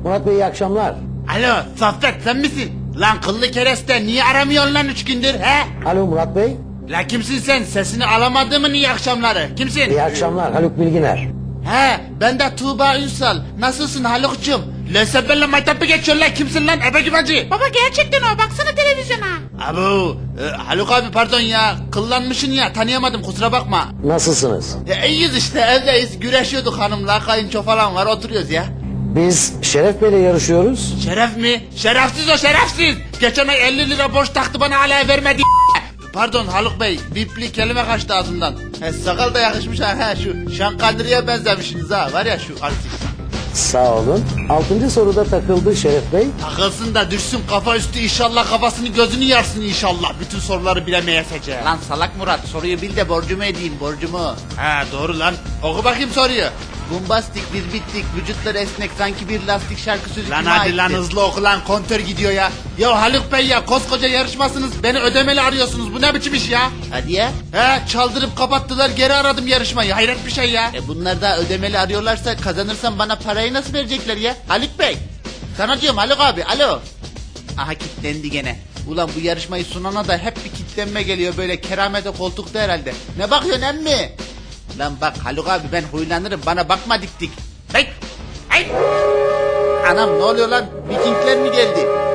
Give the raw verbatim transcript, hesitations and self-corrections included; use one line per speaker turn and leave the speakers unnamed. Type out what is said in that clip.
Murat Bey iyi akşamlar.
Alo Saffet sen misin? Lan kıllı kereste niye aramıyorsun lan üç gündür he?
Alo Murat Bey.
La kimsin sen? Sesini alamadığımın iyi akşamları. Kimsin?
İyi akşamlar Haluk Bilginer.
He ben de Tuğba Ünsal. Nasılsın Haluk'cum? Lösebelle maytapı geçiyor lan. Kimsin lan ebe güvacı?
Baba gerçekten o, baksana televizyona.
Abu e, Haluk abi pardon ya. Kıllanmışsın ya tanıyamadım kusura bakma.
Nasılsınız?
E, iyiyiz işte evdeyiz. Güreşiyorduk hanımla. Kayınço falan var oturuyoruz ya.
Biz Şeref Bey'le yarışıyoruz.
Şeref mi? Şerefsiz o şerefsiz. Geçen ay elli lira borç taktı bana hala vermedi. Pardon Haluk Bey, bipli kelime kaçtı ağzımdan. He, sakal da yakışmış ha, he, şu Şankandri'ye benzemişsiniz ha, var ya şu artist.
Sağ olun. Altıncı soruda takıldı Şeref Bey.
Takılsın da düşsün kafa üstü inşallah kafasını gözünü yarsın inşallah. Bütün soruları bilemeyesece. Lan salak Murat soruyu bil de borcumu edeyim borcumu. He doğru lan, oku bakayım soruyu. Bombastik bir bittik, vücutları esnek sanki bir lastik şarkı sözü
Lan
kime
hadi
aittir?
lan,
hızlı oku lan kontör gidiyor ya. Ya Haluk Bey ya koskoca yarışmasınız beni ödemeli arıyorsunuz bu ne biçim iş ya? Hadi ya. He çaldırıp kapattılar geri aradım yarışmayı hayret bir şey ya. E bunlar da ödemeli arıyorlarsa kazanırsam bana parayı nasıl verecekler ya? Haluk Bey. Sana diyorum Haluk abi alo. Aha kilitlendi gene. Ulan bu yarışmayı sunana da hep bir kilitlenme geliyor böyle keramete koltukta herhalde. Ne bakıyorsun emmi? Lan bak Haluk abi ben huylanırım bana bakma dik dik. Hey! Hey! Anam ne oluyor lan? Vikingler mi geldi?